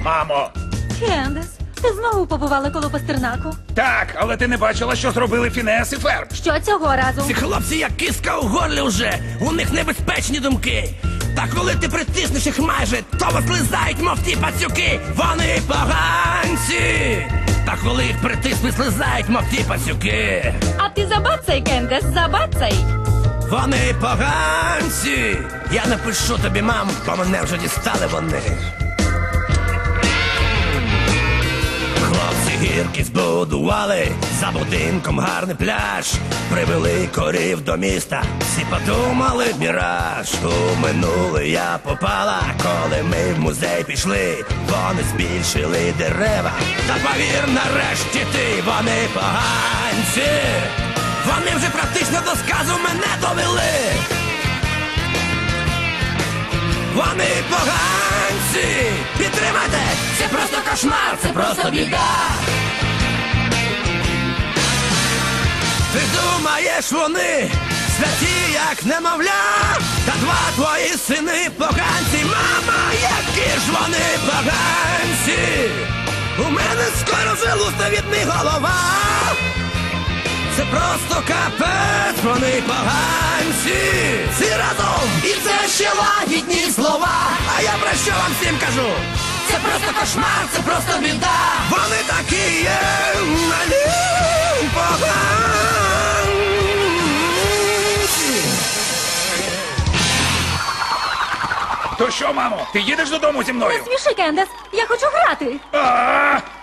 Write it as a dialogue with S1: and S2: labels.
S1: Мамо!
S2: Кендес, ти знову побувала коло Пастернаку?
S1: Так, але ти не бачила, що зробили Фінес і Ферб.
S2: Що цього разу?
S3: Ці хлопці як киска у горлі вже, у них небезпечні думки. Та коли ти притиснеш їх майже, то вислизають, мов ті пацюки. Вони поганці. Та коли їх притиснуть, слизають, мов ті пацюки.
S2: А ти забацай, Кендес, забацай.
S3: Вони поганці. Я напишу тобі, мам, бо мене вже дістали вони. Хлопці гірки збудували, за будинком гарний пляж. Привели корів до міста, всі подумали міраж. У минуле я попала, коли ми в музей пішли. Вони збільшили дерева, та повір, нарешті ти, вони поганці. Вони вже практично до сказу мене довели. Вони поганці! Підтримайте! Це просто кошмар, це просто біда! Ти думаєш, вони святі, як немовля? Та два твої сини поганці! Мама, які ж вони поганці! У мене скоро вилусне від них голова! Це просто капець, вони поганці! Всі разом! І це ще лагідні слова! А я про що вам всім кажу? Це просто кошмар, це просто біда! Вони такі є, малі поганці!
S1: То що, мамо, ти їдеш додому зі мною?
S2: Сміши, Кендес, я хочу грати.
S1: А!